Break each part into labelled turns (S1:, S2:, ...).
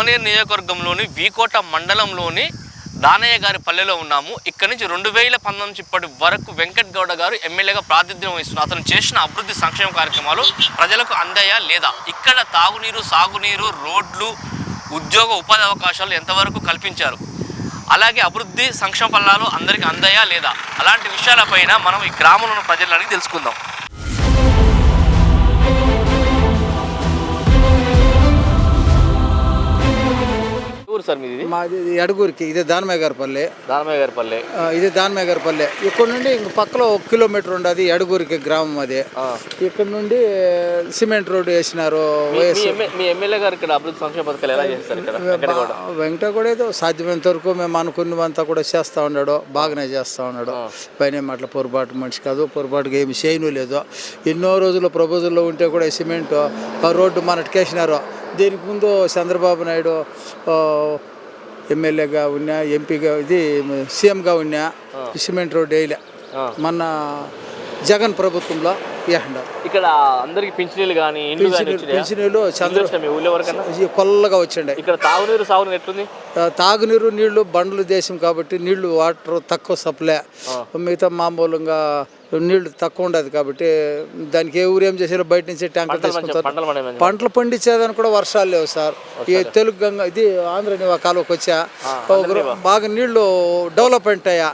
S1: పలమనేరు నియోజకవర్గంలోని వీకోట మండలంలోని దానయ్య గారి పల్లెలో ఉన్నాము. ఇక్కడ నుంచి 2019 నుంచి ఇప్పటి వరకు వెంకట్ గౌడ గారు ఎమ్మెల్యేగా ప్రాతినిధ్యం వహిస్తున్నారు. అతను చేసిన అభివృద్ధి సంక్షేమ కార్యక్రమాలు ప్రజలకు అందాయా లేదా, ఇక్కడ తాగునీరు, సాగునీరు, రోడ్లు, ఉద్యోగ ఉపాధి అవకాశాలు ఎంతవరకు కల్పించారు, అలాగే అభివృద్ధి సంక్షేమ ఫలాలు అందరికీ అందాయా లేదా, అలాంటి విషయాలపైన మనం ఈ గ్రామంలో ఉన్న ప్రజలని తెలుసుకుందాం. సార్ మీది?
S2: మాది అడుగురికి, ఇది దానమేగారిపల్లె. ఇది దానమేగారిపల్లె. ఇక్కడ నుండి ఇంక పక్కలో 1 కిలోమీటర్ ఉండదు అడుగురికి గ్రామం. అది ఇక్కడ నుండి సిమెంట్ రోడ్డు వేసినారు.
S1: మీ ఎమ్మెల్యే గారు ఇక్కడ అభివృద్ధి సంక్షేమ పథకాలు ఎలా చేస్తారు?
S2: వెంకట కూడా ఏదో సాధ్యమైనంత వరకు మేము అనుకున్నవంతా కూడా చేస్తూ ఉన్నాడు, బాగానే చేస్తూ ఉన్నాడు. పైన అట్లా పొరపాటు మనిషి కాదు, పొరపాటుగా ఏమి చేయను లేదు. ఎన్నో రోజులు ప్రపోజల్లో ఉంటే కూడా సిమెంట్ రోడ్డు మనటికేసినారు. దీనికి ముందు చంద్రబాబు నాయుడు ఎమ్మెల్యేగా ఉన్నా, ఎంపీగా, ఇది సీఎంగా ఉన్నా సిమెంట్ రోడ్ వేయలే. మొన్న జగన్ ప్రభుత్వంలో వేసినారు.
S1: ఇక్కడ అందరికి పింఛనీళ్ళు కానీ
S2: పింఛనీళ్ళు కొల్లగా వచ్చిండే.
S1: ఇక్కడ తాగునీరు, సాగునీరు ఎట్లుంది?
S2: తాగునీరు నీళ్లు బండ్లు దేశం కాబట్టి నీళ్లు వాటర్ తక్కువ సప్లై. మిగతా మామూలుగా నీళ్లు తక్కువ ఉండదు కాబట్టి దానికి ఏ ఊరు ఏం చేసారో బయట నుంచి ట్యాంకర్ తీసుకుంటారు. పంటలు పండించేదానికి కూడా వర్షాలు లేవు సార్. ఈ తెలుగు గంగా, ఇది ఆంధ్రనివా కాలువకి వచ్చా బాగా నీళ్లు డెవలప్మెంట్ అయ్యా.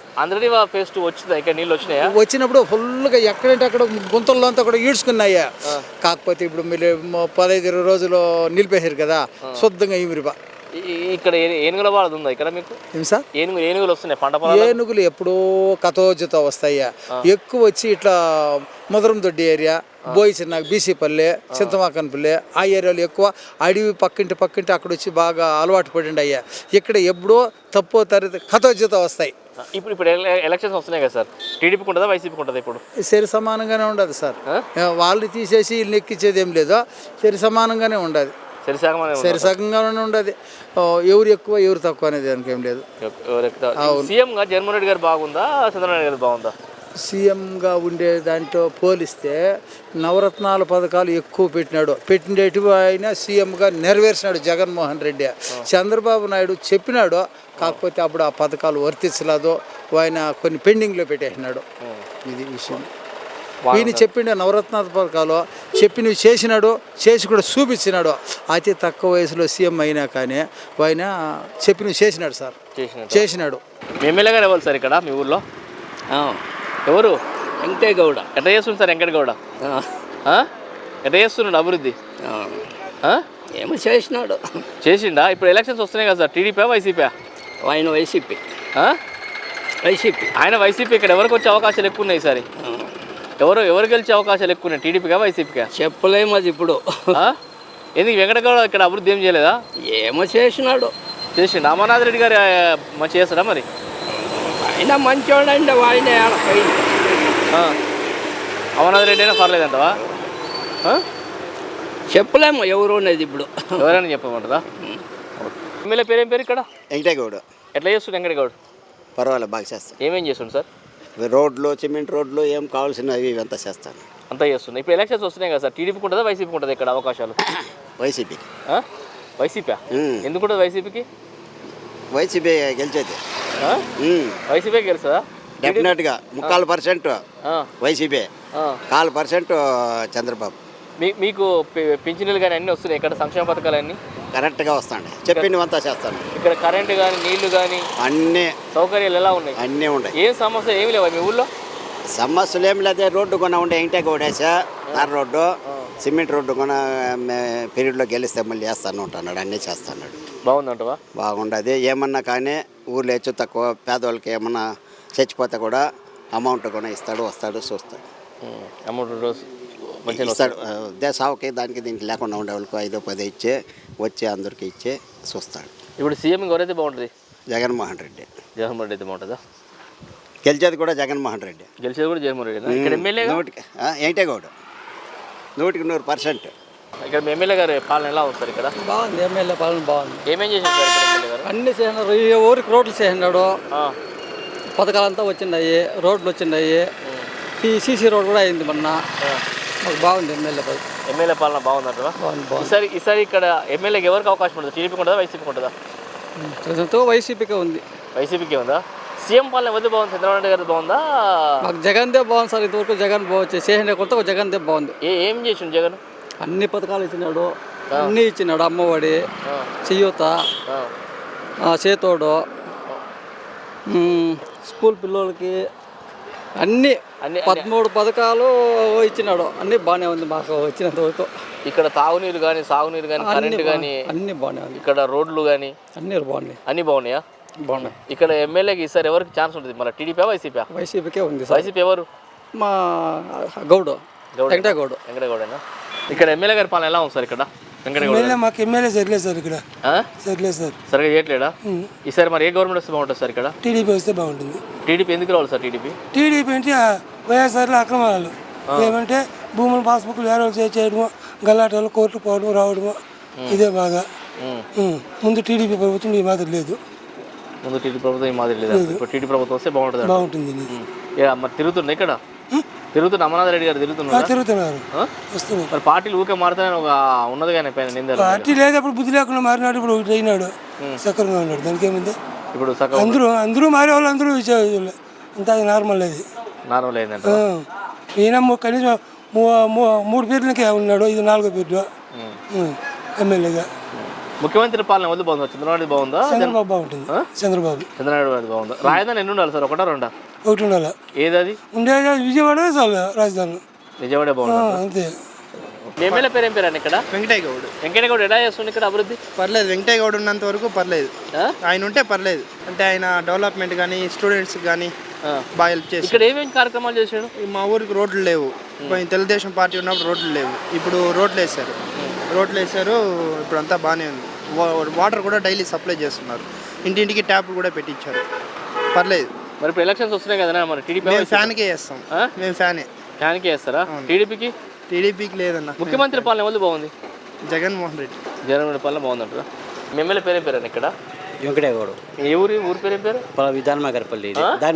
S2: వచ్చినప్పుడు ఫుల్గా ఎక్కడంటే అక్కడ గుంతల్లో అంతా కూడా ఈడ్చుకున్నాయా. కాకపోతే ఇప్పుడు మీరు 15-20 రోజులు నిలిపేశారు కదా, శుద్ధంగా ఈమిరిబా.
S1: ఇక్కడ ఏనుగుల బాధ ఉందా ఇక్కడ మీకు?
S2: ఏం సార్?
S1: ఏనుగులు వస్తున్నాయి పంట.
S2: ఏనుగులు ఎప్పుడో కథోజతో వస్తాయా. ఎక్కువ వచ్చి ఇట్లా ముదరందొడ్డి ఏరియా, బోయి చిన్న బీసీపల్లె, చింతమాకన్పల్లె, ఆ ఏరియాలో ఎక్కువ అడవి పక్కింటి అక్కడ వచ్చి బాగా అలవాటు పడిండి అయ్యా. ఇక్కడ ఎప్పుడో తప్పో తరగతి కథోజతో వస్తాయి.
S1: ఇప్పుడు ఎలక్షన్స్ వస్తున్నాయి కదా సార్, టీడీపీకి ఉంటుందా, వైసీపీకి ఉంటుందా? ఇప్పుడు
S2: సరి సమానంగానే ఉండదు సార్. వాళ్ళని తీసేసి వీళ్ళని ఎక్కించేది ఏం లేదు, సరి సమానంగానే ఉండదు. సరిసగంగానే ఉండదు. ఎవరు ఎక్కువ ఎవరు తక్కువ అనేది దానికి ఏం లేదు.
S1: సీఎంగా జగన్మోహన్ రెడ్డి గారు బాగుందా, చంద్రబాబు నాయుడు గారు బాగుందా?
S2: సీఎంగా ఉండే దాంట్లో పోలిస్తే నవరత్నాల పథకాలు ఎక్కువ పెట్టినట్టు ఆయన సీఎంగా నెరవేర్చినాడు జగన్మోహన్ రెడ్డి. చంద్రబాబు నాయుడు చెప్పినాడు, కాకపోతే అప్పుడు ఆ పథకాలు వర్తించలేదు, ఆయన కొన్ని పెండింగ్లో పెట్టేసినాడు. ఇది విషయం. ఈయన చెప్పిండే నవరత్నాల పథకాలు చెప్పినవి చేసినాడు, చేసి కూడా చూపించినాడు. అతి తక్కువ వయసులో సీఎం అయినా కానీ ఆయన చెప్పినవి చేసినాడు సార్, చేసినాడు.
S1: ఎమ్మెల్యే గారు ఎవరు సార్ ఇక్కడ మీ ఊర్లో? ఎవరు?
S3: వెంకట గౌడ.
S1: ఎట్లా చేస్తుంది సార్ వెంకట గౌడ? ఎట్లా చేస్తున్నాడు అభివృద్ధి?
S3: ఏమో చేసిండా?
S1: ఇప్పుడు ఎలక్షన్స్ వస్తున్నాయి కదా సార్, టీడీపీ వైసీపీ?
S3: ఆయన వైసీపీ.
S1: ఆయన వైసీపీ. ఇక్కడ ఎవరికి వచ్చే అవకాశాలు ఎక్కువ ఉన్నాయి ఈసారి? ఎవరు గెలిచే అవకాశాలు ఎక్కువ ఉన్నాయి, టీడీపీగా వైసీపీగా?
S3: చెప్పలేము అది ఇప్పుడు.
S1: ఎందుకు వెంకట గౌడ ఇక్కడ అభివృద్ధి ఏం చేయలేదా?
S3: ఏమో చేసిండు.
S1: అమర్నాథ్ రెడ్డి గారు మంచి చేస్తాడా మరి?
S3: ఆయన మంచివాడండి, ఆయన
S1: అమర్నాథ్ రెడ్డి అయినా పర్లేదంటవా?
S3: చెప్పలేము ఎవరు అనేది ఇప్పుడు.
S1: ఎవరైనా చెప్పమంటారా? ఎమ్మెల్యే పేరు ఏం పేరు ఇక్కడ?
S4: వెంకట గౌడ.
S1: ఎట్లా చేస్తుండే వెంకట గౌడ్?
S4: పర్వాలేదు, బాగా చేస్తాను.
S1: ఏమేం చేస్తుండు సార్?
S4: రోడ్లు, సిమెంట్ రోడ్లు, ఏం కావాల్సినవి ఇవంతా చేస్తాను.
S1: అంతా చేస్తున్నాయి. ఇప్పుడు ఎలక్షన్స్ వస్తున్నాయి కదా సార్, టీడీపీకి ఉంటుందా, వైసీపీకి ఉంటుంది ఇక్కడ అవకాశాలు?
S4: వైసీపీ.
S1: వైసీపీ ఎందుకు ఉంటుంది వైసీపీకి?
S4: వైసీపీ గెలిచేది.
S1: వైసీపీ గెలుస్తుందా?
S4: డెఫినెట్గా 3% వైసీపీ, 4% చంద్రబాబు.
S1: మీకు పింఛనీలు కానీ అన్నీ వస్తున్నాయి ఇక్కడ, సంక్షేమ పథకాలు అన్నీ
S4: కరెక్ట్గా వస్తాండి, చెప్పినవంతా చేస్తాను.
S1: ఇక్కడ కరెంటు కానీ, నీళ్లు కానీ,
S4: అన్నీ
S1: సౌకర్యాలు ఎలా ఉన్నాయి?
S4: అన్నీ ఉన్నాయి.
S1: ఏం సమస్య ఏమి లేవా మీ ఊళ్ళో?
S4: సమస్యలు ఏమి లేదు. రోడ్డు కొన ఉండే వెంకట గౌడేసా, తార్ రోడ్డు, సిమెంట్ రోడ్డు కొన పీరియడ్లో గెలిస్తే మళ్ళీ చేస్తాను ఉంటున్నాడు, అన్నీ చేస్తాడు.
S1: బాగుందంటవా?
S4: బాగుండదు. ఏమన్నా కానీ ఊర్లో హెచ్చు తక్కువ పేదవాళ్ళకి ఏమన్నా చచ్చిపోతే కూడా అమౌంట్ కూడా ఇస్తాడు, వస్తాడు, చూస్తాడు.
S1: అమౌంట్
S4: ఇస్తాడు. సావుకి దానికి దీనికి లేకుండా ఉండే వాళ్ళకి 5-10 ఇచ్చే వచ్చి అందరికి ఇచ్చే చూస్తాడు.
S1: ఇప్పుడు సీఎం ఎవరైతే బాగుంటుంది?
S4: జగన్మోహన్ రెడ్డి.
S1: జగన్మోహన్ రెడ్డి అయితే బాగుంటుందా?
S4: గెలిచేది కూడా జగన్మోహన్ రెడ్డి.
S1: గెలిచేది కూడా జగన్మోహన్ రెడ్డి. ఇక్కడ ఎమ్మెల్యే
S4: వెంకట గౌడ 100%.
S1: ఇక్కడ ఎమ్మెల్యే గారు పాలన ఎలా వస్తారు ఇక్కడ?
S2: బాగుంది, ఎమ్మెల్యే పాలన బాగుంది.
S1: ఏమేం చేశారు సార్ ఎమ్మెల్యే గారు?
S2: అన్ని చేసినారు. ఊరికి రోడ్లు చేసినాడు, పథకాలంతా వచ్చినాయి, రోడ్లు వచ్చినాయి, సీసీ రోడ్ కూడా అయింది మొన్న. మాకు బాగుంది ఎమ్మెల్యే.
S1: ఎమ్మెల్యే పాలన బాగుందంటారా? ఈసారి ఇక్కడ ఎమ్మెల్యేకి ఎవరికి అవకాశం ఉంటుంది? టీడీపీకి ఉంటుందా, వైసీపీకి ఉంటుందా?
S5: ప్రజెంట్ వైసీపీకే ఉంది.
S1: వైసీపీకి ఉందా? సీఎం పాలన ఎవరిది బాగుంది? చంద్రబాబు నాయుడు గారిది బాగుందా?
S5: మాకు జగన్దే బాగుంది సార్. ఇంతవరకు జగన్ చేసిన కొత్త జగన్దే బాగుంది.
S1: ఏం చేసిండు జగన్?
S5: అన్ని పథకాలు ఇచ్చినాడు, అన్నీ ఇచ్చినాడు. అమ్మఒడి, చెయ్యూత, చేతోడు, స్కూల్ పిల్లలకి అన్నీ 13 పథకాలు ఇచ్చినాడు. అన్నీ బాగానే ఉంది మాకు వచ్చినంత వరకు.
S1: ఇక్కడ తాగునీరు కానీ, సాగునీరు కానీ, కరెంట్ కానీ
S5: అన్నీ బాగానే ఉంది.
S1: ఇక్కడ రోడ్లు కానీ
S5: అన్నీ బాగున్నాయి.
S1: అన్నీ బాగున్నాయా?
S5: బాగున్నాయి.
S1: ఇక్కడ ఎమ్మెల్యేకి ఈసారి ఎవరికి ఛాన్స్ ఉంటుంది? మన టీడీపీ, వైసీపీ?
S5: వైసీపీకే ఉంది సార్.
S1: వైసీపీ ఎవరు?
S5: మా గౌడు, వెంకటగౌడు.
S1: వెంకటగౌడేనా? ఇక్కడ ఎమ్మెల్యే గారి పాలన ఎలా ఉంది సార్? ఇక్కడ వెంకటగౌడ
S6: మాకు ఎమ్మెల్యే సరిలేదు సార్. ఇక్కడ సరిలేదు సార్.
S1: సరిగా చేయట్లేడా? ఈసారి మరి ఏ గవర్నమెంట్ వస్తే బాగుంటుంది సార్? ఇక్కడ
S6: టీడీపీ వస్తే బాగుంటుంది.
S1: టీడీపీ ఎందుకు రావాలి సార్?
S6: టీడీపీ అంటే వైఎస్ఆర్లో అక్రమాలు ఏమంటే భూములు పాస్బుక్లు వేరే చేయడము, గల్లాటలు కోర్టు పోవడం రావడము, ఇదే బాగా. ముందు టీడీపీ ప్రభుత్వం ఈ మాదిరి లేదు.
S1: ముందు టీడీపీ ప్రభుత్వం ఈ మాదిరి లేదు. ఇప్పుడు టీడీపీ ప్రభుత్వం వస్తే బాగుంటుంది. మరి తిరుగుతుంది ఇక్కడ తిరుగుతున్న అమర్నాథ్ రెడ్డి గారు
S6: తిరుగుతున్నారు.
S1: మరి పార్టీలు ఊకే మారుతానని ఒక ఉన్నది కానీ పైన నింద
S6: పార్టీ లేదు. అప్పుడు బుద్ధి లేకుండా మారినాడు. ఇప్పుడు ఒకటి అయినాడు, సక్రంగా ఉన్నాడు. దానికి ఏముంది?
S1: ఇప్పుడు
S6: అందరూ మారే వాళ్ళు అందరూ ఇచ్చేవాళ్ళు. అంతా నార్మల్ అది.
S1: నార్మల్ అయిందంట.
S6: ఈయన కనీసం 3 పేర్లకే ఉన్నాడు. ఇది 4వ పేరు ఎమ్మెల్యేగా.
S1: ముఖ్యమంత్రి పాలన వద్దు బాగుందా? చంద్రబాబు బాగుందా?
S6: చంద్రబాబు బాగుంటుంది. చంద్రబాబు
S1: బాగుందా? రాజధాని ఎన్ని ఉండాలి సార్? ఒకటా రెండా?
S6: ఒకటి ఉండాలి.
S1: ఏది అది?
S6: ఉండేది విజయవాడ చాలు. రాజధాని
S1: విజయవాడ బాగుంది
S6: అంతే.
S1: మీ ఎమ్మెల్యే పేరు ఏం పేరు అండి ఇక్కడ?
S7: వెంకటయ్యగౌడ్.
S1: వెంకటగౌడ్ ఎలా చేస్తుంది ఇక్కడ అభివృద్ధి?
S7: పర్లేదు, వెంకటయ్యగౌడ్ ఉన్నంత వరకు పర్లేదు. ఆయన ఉంటే పర్లేదు. అంటే ఆయన డెవలప్మెంట్ కానీ స్టూడెంట్స్కి కానీ బాగా హెల్ప్ చేసి.
S1: ఇక్కడ ఏమేమి కార్యక్రమాలు చేశాడు?
S7: మా ఊరికి రోడ్లు లేవు. తెలుగుదేశం పార్టీ ఉన్నప్పుడు రోడ్లు లేవు. ఇప్పుడు రోడ్లు వేశారు. ఇప్పుడు అంతా బాగానే ఉంది. వాటర్ కూడా డైలీ సప్లై చేస్తున్నారు. ఇంటింటికి ట్యాప్లు కూడా పెట్టించారు. పర్లేదు.
S1: మరి ఇప్పుడు ఎలక్షన్స్ వస్తున్నాయి కదా మరి టీడీపీ
S7: ఫ్యాన్కే వేస్తాం. మేము ఫ్యాన్కే
S1: వేస్తారా? టీడీపీకి
S7: లేదన్న.
S1: ముఖ్యమంత్రి పాలన ఎవరు బాగుంది?
S7: జగన్మోహన్ రెడ్డి.
S1: జగన్మోహన్ పాలన బాగుందంటారా? మీ ఎమ్మెల్యే పేరు ఏం పేరు ఇక్కడ?
S8: వెంకటగౌడు.
S1: ఏ ఊరు పేరు ఏం పేరు?
S8: దాన్మాయగారిపల్లి.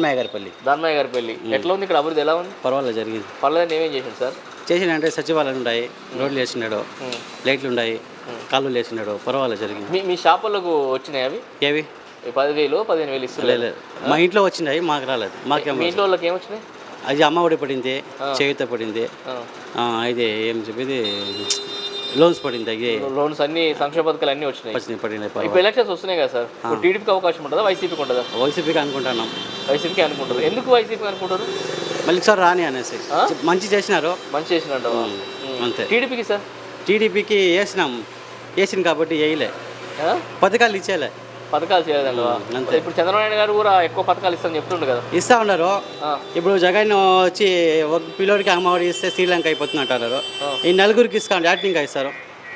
S1: ఎట్లా ఉంది ఇక్కడ అభివృద్ధి? ఎలా ఉంది?
S8: పర్వాలేదు, జరిగింది.
S1: పర్వాలేదు. ఏమేం చేసిండు సార్?
S8: చేసినంటే సచివాలయాలు ఉన్నాయి, రోడ్లు వేసినాడు, లైట్లు ఉన్నాయి, కాలువలు వేసినాడు. పర్వాలేదు, జరిగింది.
S1: మీ షాపులకు వచ్చినాయి అవి?
S8: ఏవి?
S1: 10,000 15,000 ఇస్తుంది.
S8: మా ఇంట్లో వచ్చినాయి, మాకు రాలేదు.
S1: మీ ఇంట్లో వాళ్ళకి ఏమొచ్చినాయి?
S8: అది అమ్మఒడి పడింది, చేయూత పడింది, ఇది ఏం చెప్పేది లోన్స్ పడింది.
S1: లోన్స్ అన్ని సంక్షేమ పథకాలు అన్నీ వచ్చినాయి.
S8: పడినాయి.
S1: ఇప్పుడు ఎలక్షన్స్ వస్తున్నాయి కదా సార్, టీడీపీకి అవకాశం ఉంటుందా, వైసీపీకి ఉంటుందా?
S8: వైసీపీకి అనుకుంటున్నాం.
S1: వైసీపీకి అనుకుంటారు. ఎందుకు వైసీపీ అనుకుంటారు?
S8: మళ్ళీ సార్ రాని అనేసి మంచి చేసినారు.
S1: అంతే. టీడీపీకి సార్?
S8: టీడీపీకి వేసిన కాబట్టి వేయలే, పథకాలు ఇచ్చేలే.
S1: పథకాలు చేయలేదండి. ఇప్పుడు చంద్రబాబు నాయుడు గారు కూడా ఎక్కువ పథకాలు ఇస్తారని చెప్తుండ్రు కదా.
S8: ఇస్తా ఉన్నారు. ఇప్పుడు జగన్ వచ్చి ఒక పిల్లోడికి అమ్మఒడి ఇస్తే శ్రీలంక అయిపోతుంది అంటున్నారు. ఈ నలుగురికి ఇస్తాను యాక్టింగ్ ఇస్తారు.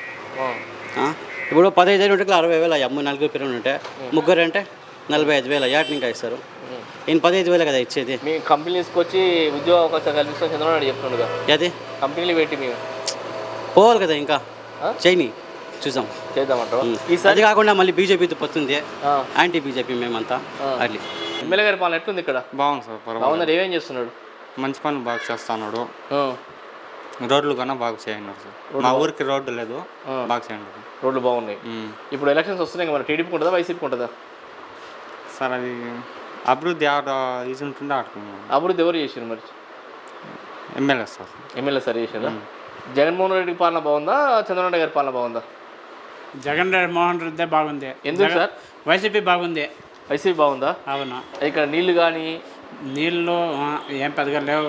S8: ఇప్పుడు 15,000 ఉంటే 60,000 నలుగురు పిల్లలు ఉంటే, ముగ్గురు అంటే 45,000 యాక్టింగ్ ఇస్తారు. ఈయన 15,000 కదా ఇచ్చేది.
S1: మీ కంపెనీస్కి వచ్చి ఉద్యోగ అవకాశాలు కల్పిస్తాం చంద్రబాబు నాయుడు చెప్తుండగా.
S8: అది
S1: కంపెనీలు పెట్టి మేము
S8: పోవాలి కదా, ఇంకా చేయని చూసాం
S1: చేద్దామంటారు.
S8: అది కాకుండా మళ్ళీ బీజేపీతో పోతుంది, యాంటీ బీజేపీ మేమంతా. అట్లా
S1: ఎమ్మెల్యే గారి పాలన ఎట్లుంది ఇక్కడ?
S9: బాగుంది సార్.
S1: బాగుంది. ఏమేం చేస్తున్నాడు?
S9: మంచి పనులు బాగా చేస్తున్నాడు. రోడ్లు కన్నా బాగా చేయన్నారు సార్. మా ఊరికి రోడ్డు లేదు, బాగా చేయండి.
S1: రోడ్లు బాగున్నాయి. ఇప్పుడు ఎలక్షన్స్ వస్తున్నాయి మరి టీడీపీకి ఉంటుందా, వైసీపీకి ఉంటుందా
S9: సార్? అది అభివృద్ధి ఇది ఉంటుండే ఆడుకున్నాం.
S1: అభివృద్ధి ఎవరు చేసారు మరి?
S9: MLA sir.
S1: ఎమ్మెల్యే సార్ చేసారా? జగన్మోహన్ రెడ్డి పాలన బాగుందా, చంద్రబాబు నాయుడు గారి పాలన బాగుందా?
S10: జగన్మోహన్ రెడ్డి బాగుంది.
S1: ఎందుకు సార్?
S10: వైసీపీ బాగుంది.
S1: వైసీపీ బాగుందా?
S10: అవును.
S1: ఇక్కడ నీళ్లు కానీ
S10: నీళ్ళు ఏం పెద్దగా లేవు.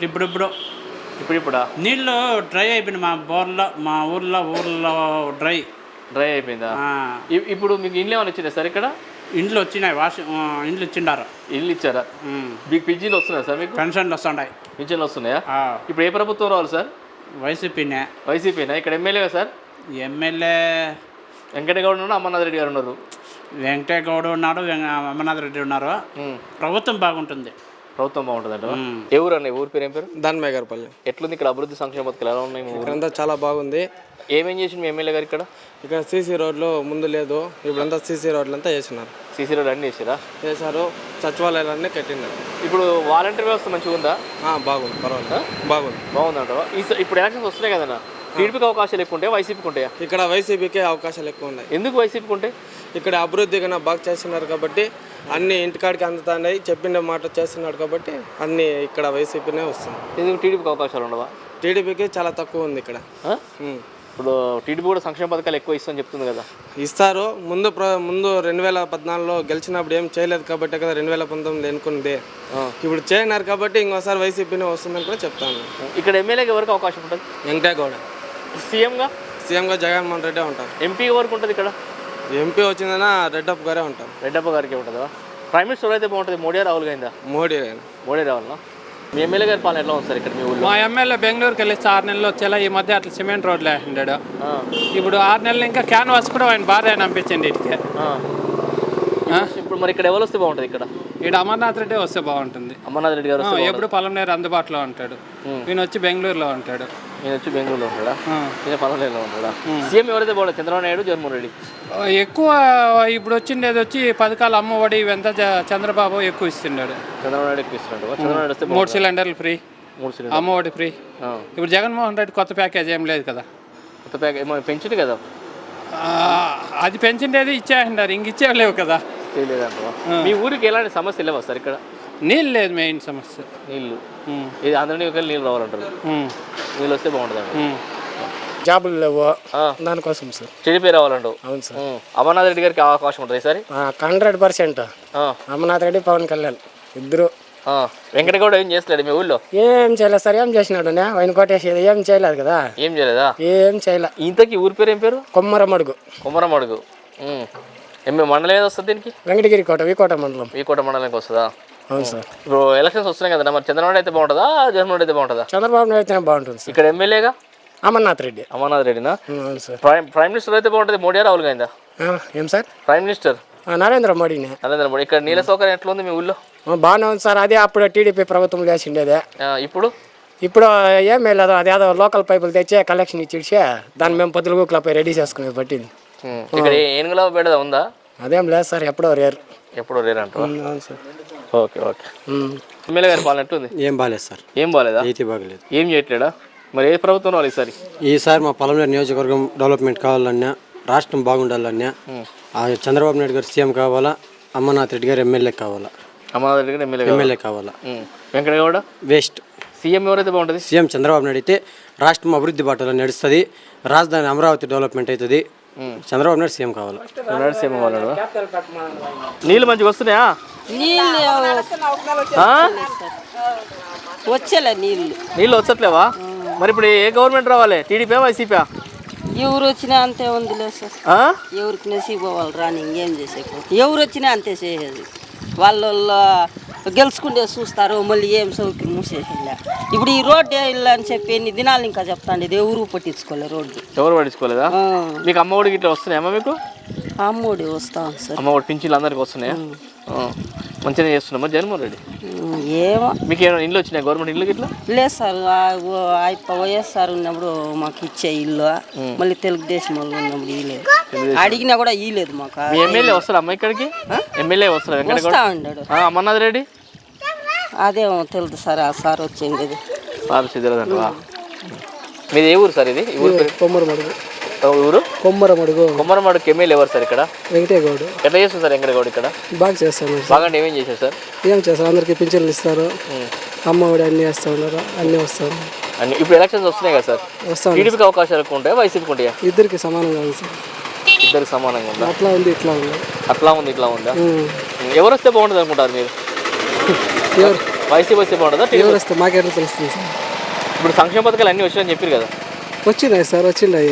S10: ఇప్పుడా నీళ్ళు డ్రై అయిపోయింది. మా ఊర్లో డ్రై
S1: అయిపోయిందా? ఇప్పుడు మీకు ఇండ్లు ఏమైనా వచ్చినాయి సార్? ఇక్కడ
S10: ఇండ్లు వచ్చినాయి, ఇండ్లు ఇచ్చిండారు.
S1: ఇల్లు ఇచ్చారా? మీకు పింఛన్లు వస్తున్నాయి సార్? మీకు
S10: పెన్షన్లు వస్తున్నాయి.
S1: పింఛన్లు వస్తున్నాయా? ఇప్పుడు ఏ ప్రభుత్వం రావాలి సార్?
S10: వైసీపీనే.
S1: ఇక్కడ ఎమ్మెల్యేగా సార్?
S10: ఎమ్మెల్యే
S1: వెంకటగౌడ్ ఉన్నారు, అమర్నాథ్ రెడ్డి గారు ఉన్నారు.
S10: వెంకటగౌడ్ ఉన్నాడు, అమర్నాథ్ రెడ్డి ఉన్నారు. ప్రభుత్వం బాగుంటుంది.
S1: ప్రభుత్వం బాగుంటుంది అంటే ఏ ఊరు అన్న? ఊరి పేరు ఏం పేరు?
S11: దాన్మాయగారిపల్లి.
S1: ఎట్లుంది ఇక్కడ అభివృద్ధి సంక్షేమ పథకాలు ఎలా ఉన్నాయి?
S11: ఇక్కడంతా చాలా బాగుంది.
S1: ఏమేం చేసింది మీ ఎమ్మెల్యే గారు ఇక్కడ?
S11: ఇక్కడ సీసీ రోడ్లు ముందు లేదు, ఇప్పుడంతా సీసీ రోడ్లు అంతా వేసినారు.
S1: సీసీ రోడ్ అన్నీ
S11: వేసారు. సచివాలయాలన్నీ కట్టినారు.
S1: ఇప్పుడు వాలంటీర్ వ్యవస్థ మంచిగా ఉందా?
S11: బాగుంది, పర్వాలేదు, బాగుంది
S1: అంటావా? ఇప్పుడు ఎలక్షన్స్ వస్తున్నాయి కదన్నా, టీడీపీకి అవకాశాలు ఎక్కువ ఉంటాయా వైసీపీకి ఉంటాయా?
S11: ఇక్కడ వైసీపీకే అవకాశాలు ఎక్కువ ఉన్నాయి.
S1: ఎందుకు వైసీపీకి ఉంటాయి?
S11: ఇక్కడ అభివృద్ధి కన్నా బాగా చేస్తున్నారు కాబట్టి అన్ని ఇంటికాడికి అందుతున్నాయి, చెప్పిన మాట చేస్తున్నాడు కాబట్టి అన్ని ఇక్కడ వైసీపీనే వస్తుంది.
S1: ఎందుకు టీడీపీకి అవకాశాలు ఉండవా?
S11: టీడీపీకి చాలా తక్కువ ఉంది ఇక్కడ.
S1: ఇప్పుడు టీడీపీ కూడా సంక్షేమ పథకాలు ఎక్కువ ఇస్తుందని చెప్తుంది కదా.
S11: ఇస్తారు. ముందు 2014లో గెలిచినప్పుడు ఏం చేయలేదు కాబట్టి కదా 2019 ఎన్నుకుంది. ఇప్పుడు చేయన్నారు కాబట్టి ఇంకోసారి వైసీపీనే వస్తుందని కూడా చెప్తాను.
S1: ఇక్కడ ఎమ్మెల్యేకి ఎవరికి అవకాశం ఉంటుంది?
S11: వెంకటగౌడ.
S1: సీఎంగా
S11: జగన్మోహన్ రెడ్డి ఉంటారు.
S1: ఎంపీ వరకు ఉంటుంది ఇక్కడ?
S11: ఎంపీ వచ్చిందన్నా రెడ్డప్ప గారే ఉంటారు.
S1: రెడ్డప్ప గారికి ఉంటుందా? ప్రైమ్ మినిస్టర్ అయితే బాగుంటుంది, మోడీ రాహుల్ గాంధీ? మోడీ రావాలన్నా. మీ ఎమ్మెల్యే గారి పాలన ఎట్లా ఉంది సార్ ఇక్కడ మీ ఊళ్ళో?
S10: మా ఎమ్మెల్యే బెంగళూరుకి వెళ్ళి 6 నెలలు వచ్చేలా ఈ మధ్య అట్లా సిమెంట్ రోడ్లు వేసిండాడు. ఇప్పుడు 6 నెలలు ఇంకా క్యాన్వాస్ కూడా ఆయన భార్య అనిపించండి ఇటుకే.
S1: ఇప్పుడు మరి ఇక్కడ ఎవరు వస్తే బాగుంటుంది? ఇక్కడ
S10: అమర్నాథ్ రెడ్డి వస్తే బాగుంటుంది.
S1: అమర్నాథ్ రెడ్డి గారు
S10: ఎప్పుడు పొలంనేరు అందుబాటులో ఉంటాడు. ఈయన వచ్చి బెంగళూరులో ఉంటాడు.
S1: ఈయన పొలంనేరులో ఉంటాడా? సీఎం ఎవరైతే బాగుంటుంది? చంద్రబాబు నాయుడు, జగన్మోహన్ రెడ్డి?
S10: ఎక్కువ ఇప్పుడు వచ్చిండేది వచ్చి పథకాలు అమ్మఒడి ఇవంతా చంద్రబాబు ఎక్కువ ఇస్తున్నాడు.
S1: చంద్రబాబు నాయుడు ఎక్కువ ఇస్తున్నాడు. చంద్రబాబు నాయుడు వస్తే
S10: 3 సిలిండర్లు ఫ్రీ, అమ్మఒడి ఫ్రీ. ఇప్పుడు జగన్మోహన్ రెడ్డి కొత్త ప్యాకేజ్ ఏం లేదు కదా.
S1: కొత్త ప్యాకేజ్ పెంచుడు కదా,
S10: అది పెంచిండేది ఇచ్చేయంటారు, ఇంక ఇచ్చేయలేవు కదా.
S1: మీ ఊరికి ఎలాంటి సమస్య లేవా సార్ ఇక్కడ?
S10: నీళ్ళు లేదు మెయిన్ సమస్య.
S1: నీళ్ళు ఇది అందరినీ నీళ్ళు రావాలంటారు. నీళ్ళు వస్తే బాగుంటుంది.
S11: జాబులు లేవు దానికోసం సార్.
S1: టీడీపీ రావాలంటావు?
S11: అవును సార్.
S1: అమర్నాథ్ రెడ్డి గారికి అవకాశం ఉంటుంది ఈసారి?
S11: 100%. అమర్నాథ్ రెడ్డి, పవన్ కళ్యాణ్ ఇద్దరు.
S1: వెంకటగౌడ ఏం చేస్తలేడు మీ ఊళ్ళో?
S11: ఏం చేయలేదు సార్. ఏం చేసినాడు? ఆయన కొట్టేసేది ఏం చేయలేదు కదా.
S1: ఏం చేయలేదా?
S11: ఏం చేయలే.
S1: ఇంతకీ ఊరి పేరు ఏం పేరు?
S11: కొమ్మరమడుగు.
S1: కొమ్మరమడుగు మండలం ఏదో వస్తుంది దీనికి?
S11: వెంకటగిరి కోట, వీకోట మండలం.
S1: వీకోట మండలానికి వస్తుందా?
S11: అవును సార్.
S1: ఇప్పుడు ఎలక్షన్స్ వస్తున్నాయి కదా, మరి చంద్రబాబు అయితే బాగుంటుందా, జగన్మోహన్ అయితే బాగుంటుందా?
S11: చంద్రబాబు నాయుడు అయితే బాగుంటుంది.
S1: ఇక్కడ ఎమ్మెల్యేగా
S11: అమర్నాథ్ రెడ్డి.
S1: అమర్నాథ్ రెడ్డినా?
S11: అవును సార్.
S1: ప్రైమ్ మినిస్టర్ అయితే బాగుంటుంది, మోడీ రాహుల్ గాంధీ?
S11: ఏం సార్?
S1: ప్రైమ్ మినిస్టర్
S11: నరేంద్ర మోడీనే.
S1: నరేంద్ర మోడీ. ఇక్కడ నీళ్ళ సౌకర్యం ఎట్లా ఉంది మీ ఊళ్ళో?
S11: బాగానే ఉంది సార్. అదే అప్పుడు టీడీపీ ప్రభుత్వం వేసిండేదే.
S1: ఇప్పుడు
S11: ఏం లేదు. అదేదో లోకల్ పైపులు తెచ్చే కలెక్షన్ ఇచ్చిచ్చే దాన్ని మేము పొద్దులపై రెడీ చేసుకునేది పట్టింది.
S1: ఇక్కడ ఏనుగుల బెడద ఉందా?
S11: అదేం లేదు సార్. ఎప్పుడో రేరు
S1: అంట.
S11: అవును సార్.
S1: ఓకే. ఎమ్మెల్యే గారి పాలన ఎట్లుంది?
S8: ఏం బాగాలేదు సార్.
S1: ఏం బాగాలేదా?
S8: అయితే బాగలేదు.
S1: ఏం చేయట్లేడా? మరి ఏ ప్రభుత్వం రావాలి
S8: ఈసారి మా పొలంనేరు నియోజకవర్గం డెవలప్మెంట్ కావాలన్నా, రాష్ట్రం బాగుండాలన్నా చంద్రబాబు నాయుడు గారు సీఎం కావాలా, అమర్నాథ్ రెడ్డి గారు ఎమ్మెల్యే కావాలా.
S1: అమర్నాథ్ రెడ్డి గారు ఎమ్మెల్యే కావాలా. వెంకటగౌడ
S8: వేస్ట్.
S1: సీఎం ఎవరైతే బాగుంటుంది?
S8: సీఎం చంద్రబాబు నాయుడు అయితే రాష్ట్రం అభివృద్ధి బాటలో నడుస్తుంది, రాజధాని అమరావతి డెవలప్మెంట్ అవుతుంది. చంద్రబాబు నాయుడు సీఎం కావాలా.
S1: సీఎం కావాలా? నీళ్ళు మంచిగా వస్తున్నాయా?
S12: వచ్చేలే నీళ్ళు
S1: వచ్చట్లేవా? మరి ఇప్పుడు ఏ గవర్నమెంట్ రావాలి? TDP, YCP?
S12: ఎవరు వచ్చినా అంతే ఉందిలే సార్. ఎవరికి నసీబు వాళ్ళు రాని ఇంకేం చేసే. ఎవరు వచ్చినా అంతే చేసేది. వాళ్ళు గెలుచుకుంటే చూస్తారు, మళ్ళీ ఏం సౌకర్యం మూసేసేలే. ఇప్పుడు ఈ రోడ్డు ఇల్లు అని చెప్పి ఎన్ని దినాలు ఇంకా చెప్తాండి, ఇది ఎవరు పట్టించుకోలేదు. రోడ్డు
S1: ఎవరు పట్టించుకోలేదా? మీకు అమ్మఒడికి ఇట్లా వస్తున్నాయమ్మా? మీకు
S12: అమ్మఒడి వస్తాం సార్.
S1: అమ్మఒడి పింఛన్లు అందరికి వస్తున్నాయా? మంచిగా చేస్తున్నామా జగన్మోహన్ రెడ్డి?
S12: ఏమో
S1: మీకు ఏమైనా ఇల్లు వచ్చినాయి గవర్నమెంట్ ఇల్లు ఇట్లా?
S12: లేదు సార్. వైఎస్ఆర్ ఉన్నప్పుడు మాకు ఇచ్చే ఇల్లు, మళ్ళీ తెలుగుదేశం వాళ్ళు ఉన్నప్పుడు ఇవ్వలేదు. అడిగినా కూడా ఇవ్వలేదు మాకు.
S1: ఎమ్మెల్యే వస్తారా అమ్మ ఇక్కడికి? ఎమ్మెల్యే వస్తారా?
S12: వస్తా ఉన్నాడు.
S1: అమర్నాథ్ రెడ్డి
S12: అదేమో తెలుదు సార్. ఆ సార్ వచ్చింది.
S1: సార్ సిద్ధరాదంటవా? మీది ఏ ఊరు సార్? ఇది
S11: కొమ్మరమడుగు.
S1: ఊరు
S11: కొమ్మరమడుగు.
S1: కొమ్మరమడుగు ఎమ్మెల్యే ఎవరు సార్ ఇక్కడ?
S11: వెంకటగౌడ.
S1: ఎట్లా చేస్తుంది సార్ వెంకటగౌడ ఇక్కడ?
S11: బాగా చేస్తాను.
S1: బాగా ఏమేం చేశారు సార్?
S11: ఏం చేస్తారు? అందరికి పింఛన్లు ఇస్తారు, అమ్మఒడి అన్నీ వేస్తూ ఉన్నారు, అన్నీ వస్తారు.
S1: ఇప్పుడు ఎలక్షన్స్ వస్తున్నాయి కదా సార్,
S11: వస్తాను.
S1: టీడీపీకి అవకాశాలు ఎక్కువ ఉంటాయా, వైసీపీకి ఉంటాయా?
S11: ఇద్దరికి సమానంగా ఉంది సార్.
S1: ఇద్దరికి సమానంగా ఉందా?
S11: అట్లా ఉంది, ఇట్లా ఉంది.
S1: అట్లా ఉంది, ఇట్లా ఉందా? ఎవరు వస్తే బాగుంటుంది అనుకుంటారు మీరు? వైసీపీ వస్తే బాగుంటుందా?
S11: ఎవరు వస్తే మాకెట్లా తెలుస్తుంది సార్?
S1: ఇప్పుడు సంక్షేమ పథకాలు అన్నీ వచ్చాయని చెప్పారు కదా.
S11: వచ్చినాయి సార్, వచ్చిండాయి.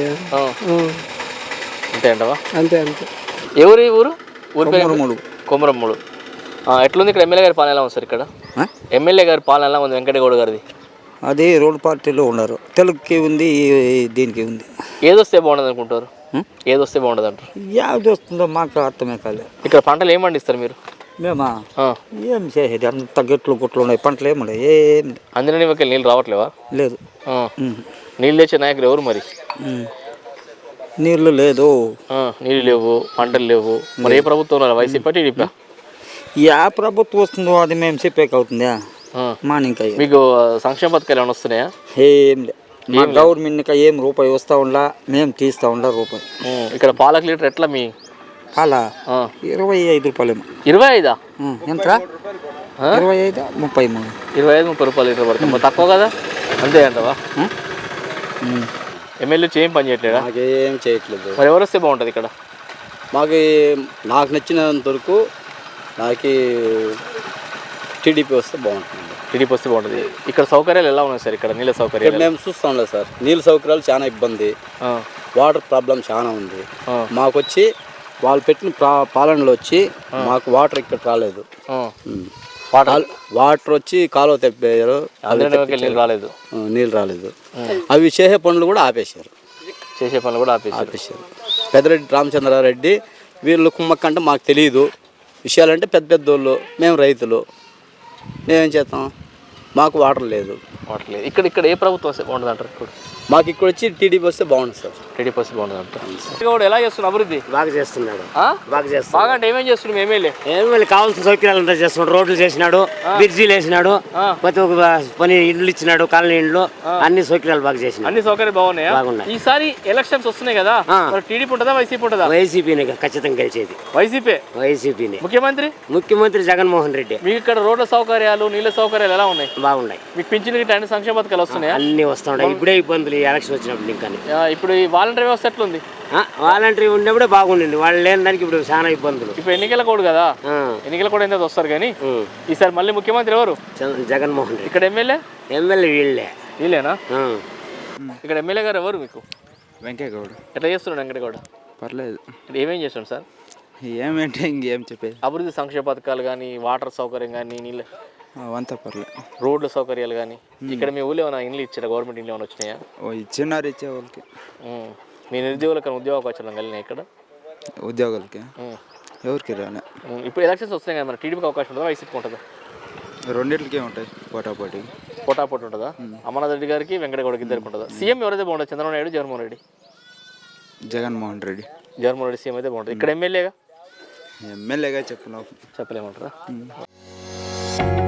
S1: అంతే అంటవా?
S11: అంతే అంతే.
S1: ఎవరు ఈ ఊరు? కొమరమ్మడు. ఎట్లుంది ఇక్కడ? ఎమ్మెల్యే గారి పాలన ఎలా ఉంది సార్ ఇక్కడ? ఎమ్మెల్యే గారి పాలన ఎలా ఉంది వెంకటగౌడ గారిది?
S13: అది రోడ్ పార్టీలో ఉన్నారు. తెలుగుకి ఉంది, దీనికి ఉంది.
S1: ఏదొస్తే బాగుంటుంది అనుకుంటారు? ఏదొస్తే బాగుంటుంది అంటారు?
S13: యాది వస్తుందో మాకు అర్థమే కాలేదు.
S1: ఇక్కడ పంటలు ఏం పండిస్తారు మీరు?
S13: మేమా ఏం చేసేది, అంత గెట్లు గుట్లు ఉన్నాయి, పంటలు ఏమున్నాయి, ఏం
S1: అందులో మీకు నీళ్ళు రావట్లేవా?
S13: లేదు.
S1: నీళ్ళు తెచ్చే నాయకులు ఎవరు మరి?
S13: నీళ్ళు లేదు,
S1: నీళ్ళు లేవు, పంటలు లేవు. మరి ఏ ప్రభుత్వం? YCP, TDP?
S13: యా ప్రభుత్వం వస్తుందో అది మేము చెప్పేకి అవుతుందా?
S1: మీకు సంక్షేమ పథకాలు ఏమైనా వస్తున్నాయా?
S13: ఏం లేదు. మా గవర్నమెంట్ ఏం రూపాయి వస్తూ ఉండా మేము తీస్తూ ఉండా రూపాయి.
S1: ఇక్కడ పాలకు లీటర్ ఎట్లా మీ
S13: పాల 25 రూపాయలేమో.
S1: 25?
S13: ఎంత 25 33
S1: 25-30 రూపాయలు లీటర్ పడుతుంది. తక్కువ కదా, అంతే అంటవా? ఎమ్మెల్యే ఏం పని చేయట్లేదా?
S8: మాకేం చేయట్లేదు.
S1: మరి ఎవరు వస్తే బాగుంటుంది ఇక్కడ?
S8: నాకు నచ్చినంత వరకు నాకు టీడీపీ వస్తే బాగుంటుంది.
S1: టీడీపీ వస్తే బాగుంటుంది. ఇక్కడ సౌకర్యాలు ఎలా ఉన్నాయి సార్? ఇక్కడ నీళ్ళ సౌకర్యాలు
S8: మేము చూస్తాం లేదు సార్. నీళ్ళ సౌకర్యాలు చాలా ఇబ్బంది, వాటర్ ప్రాబ్లం చాలా ఉంది. మాకు వచ్చి వాళ్ళు పెట్టిన పాలనలో వచ్చి మాకు వాటర్ ఇక్కడ రాలేదు. వాటర్ వచ్చి కాలువ తెప్పారు, నీళ్ళు రాలేదు. అవి చేసే పనులు కూడా ఆపేశారు. పెద్దరెడ్డి రామచంద్రారెడ్డి వీళ్ళు కుమ్మక్కంటే మాకు తెలియదు విషయాలంటే. పెద్ద పెద్దోళ్ళు, మేము రైతులు, మేమేం చేస్తాం? మాకు వాటర్ లేదు.
S1: ఇక్కడ ఏ ప్రభుత్వం వస్తే బాగుంటుంది అంటారు? ఇప్పుడు
S8: మాకు ఇక్కడ వచ్చి టీడీపీ వస్తే బాగుంటుంది సార్.
S1: టీడీపీ వస్తే బాగుంటుంది అంటారు. ఎలా చేస్తున్నారు అభివృద్ధి?
S4: బాగా చేస్తున్నాడు.
S1: బాగా అంటే ఏమేం చేస్తున్నాడు ఎమ్మెల్యే?
S4: కావాల్సిన సౌకర్యాలు అంతా చేస్తున్నాడు. రోడ్లు చేసినాడు, బ్రిడ్జీలు వేసినాడు, ప్రతి ఒక్క పని ఇండ్లు ఇచ్చినాడు, కాలనీ ఇండ్లు, అన్ని సౌకర్యాలు బాగా చేసినాడు.
S1: అన్ని సౌకర్యాలు బాగున్నాయి. ఈసారి ఎలక్షన్స్ వస్తున్నాయి కదా, టీడీపీ ఉంటుందా వైసీపీ ఉంటుందా?
S4: వైసీపీనే ఖచ్చితంగా గెలిచేది. వైసీపీనే. ముఖ్యమంత్రి జగన్మోహన్ రెడ్డి.
S1: మీకు ఇక్కడ రోడ్ల సౌకర్యాలు, నీళ్ళ సౌకర్యాలు ఎలా ఉన్నాయి?
S4: బాగున్నాయి.
S1: మీకు పింఛన్ గిట్ట అన్ని సంక్షేమ పథకాలు వస్తున్నాయి?
S4: అన్ని వస్తున్నాయి. ఇప్పుడే ఇబ్బందులు ఎలక్షన్ వచ్చినప్పుడు. ఇంకా
S1: ఇప్పుడు ఈ వాలంటరీ వ్యవస్థ ఎట్లుంది?
S4: వాలంటరీ ఉన్నప్పుడే బాగుండింది, వాళ్ళు లేని దానికి ఇప్పుడు చాలా ఇబ్బందులు.
S1: ఇప్పుడు ఎన్నికల కోడ్ కదా, ఎన్నికల కోడ్ ఎంత వస్తారు కానీ ఈసారి మళ్ళీ ముఖ్యమంత్రి ఎవరు?
S4: జగన్మోహన్ రెడ్డి.
S1: ఇక్కడ ఎమ్మెల్యే వీళ్ళేనా? ఇక్కడ ఎమ్మెల్యే గారు ఎవరు మీకు?
S14: వెంకయ్యగౌడ.
S1: ఎట్లా చేస్తున్నాడు వెంకటగౌడ?
S14: పర్లేదు.
S1: ఏమేం చేస్తున్నాడు సార్?
S14: ఏమేంటే ఇంకేం చెప్పేది.
S1: అభివృద్ధి సంక్షేమ పథకాలు కానీ, వాటర్ సౌకర్యం కానీ, నీళ్ళ
S14: అంతా పర్లేదు,
S1: రోడ్ల సౌకర్యాలు కానీ. ఇక్కడ మీ ఊళ్ళో ఏమైనా ఇండ్లు ఇచ్చారా? గవర్నమెంట్ ఇండ్లు ఏమైనా వచ్చినాయా?
S14: ఇచ్చినారు, ఇచ్చే వాళ్ళకి.
S1: మీ నిరుద్యోగులకు ఉద్యోగ అవకాశాలు కలిగినాయి ఇక్కడ?
S14: ఉద్యోగులకి ఎవరికి రాలే.
S1: ఇప్పుడు ఎలక్షన్స్ వస్తున్నాయి కదా, మరి టీడీపీకి అవకాశం ఉంటుందా, వైసీపీకి ఉంటుందా?
S14: రెండింటికే ఉంటాయి, పోటాపోటీ
S1: ఉంటుందా? అమర్నాథ్ రెడ్డి గారికి, వెంకటగౌడకి ఇద్దరికి ఉంటుందా? సీఎం ఎవరైతే బాగుంటుంది? చంద్రబాబు నాయుడు, జగన్మోహన్ రెడ్డి?
S14: జగన్మోహన్ రెడ్డి.
S1: జగన్మోహన్ రెడ్డి సీఎం అయితే బాగుంటుంది. ఇక్కడ ఎమ్మెల్యేగా
S14: చెప్పలేమంటారా?